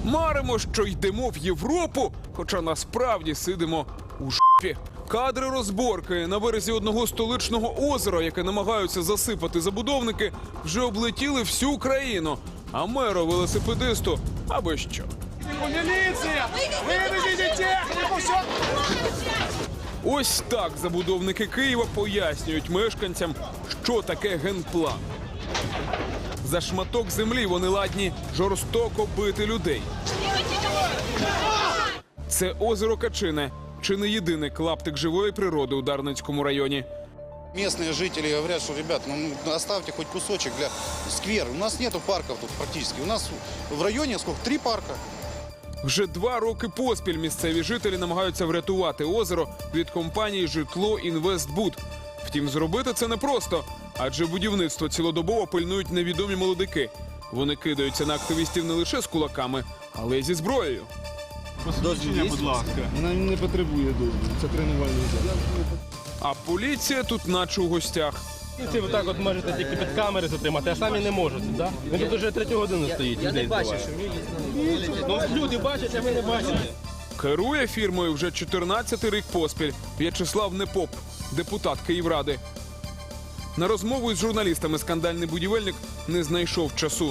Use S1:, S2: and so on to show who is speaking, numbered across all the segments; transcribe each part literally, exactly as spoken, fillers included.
S1: Маримо, що йдемо в Європу, хоча насправді сидимо у жопі. Кадри розборки на березі одного столичного озера, яке намагаються засипати забудовники, вже облетіли всю країну. А меру велосипедисту аби що.
S2: Міліція! Виведіть техніку! Все!
S1: Ось так забудовники Києва пояснюють мешканцям, що таке генплан. За шматок землі вони ладні жорстоко бити людей. Це озеро Качине, чи не єдиний клаптик живої природи у Дарницькому районі.
S3: Местные жители говорят, что, ребят, ну оставьте хоть кусочек для сквер. У нас нету парков тут практически. У нас в районе сколько? Три парка.
S1: Вже два роки поспіль місцеві жителі намагаються врятувати озеро від компанії «Житло Інвестбуд». Втім, зробити це непросто, адже будівництво цілодобово пильнують невідомі молодики. Вони кидаються на активістів не лише з кулаками, але й зі зброєю.
S2: Посвідчення, будь ласка.
S4: Вона не потребує дозволу, це тренувальний зал.
S1: А поліція тут наче у гостях.
S5: Ці ви так от можете тільки під камери затримати, а самі не можете, так? Він тут вже третю годину стоїть. Я не бачу, що Ну, люди бачать, а ви не бачите.
S1: Керує фірмою вже чотирнадцятий рік поспіль В'ячеслав Непоп, депутат Київради. На розмову із журналістами скандальний будівельник не знайшов часу.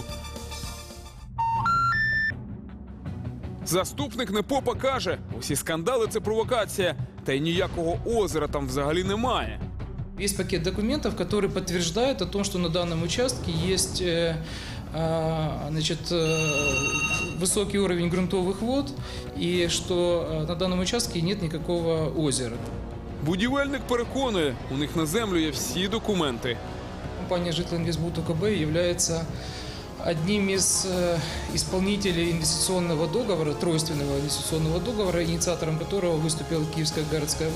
S1: Заступник Непопа каже, усі скандали – це провокація, та й ніякого озера там взагалі немає.
S6: Есть пакет документов, который подтверждает о том, что на данном участке есть э, э, значит, э, высокий уровень грунтовых вод и что э, на данном участке нет никакого озера.
S1: Будівельник переконує, у них на землю є всі документи.
S6: Компания «Житлоинвестбуд УКБ» является одним из э, исполнителей инвестиционного договора, тройственного инвестиционного договора, инициатором которого выступила Киевская городская власть.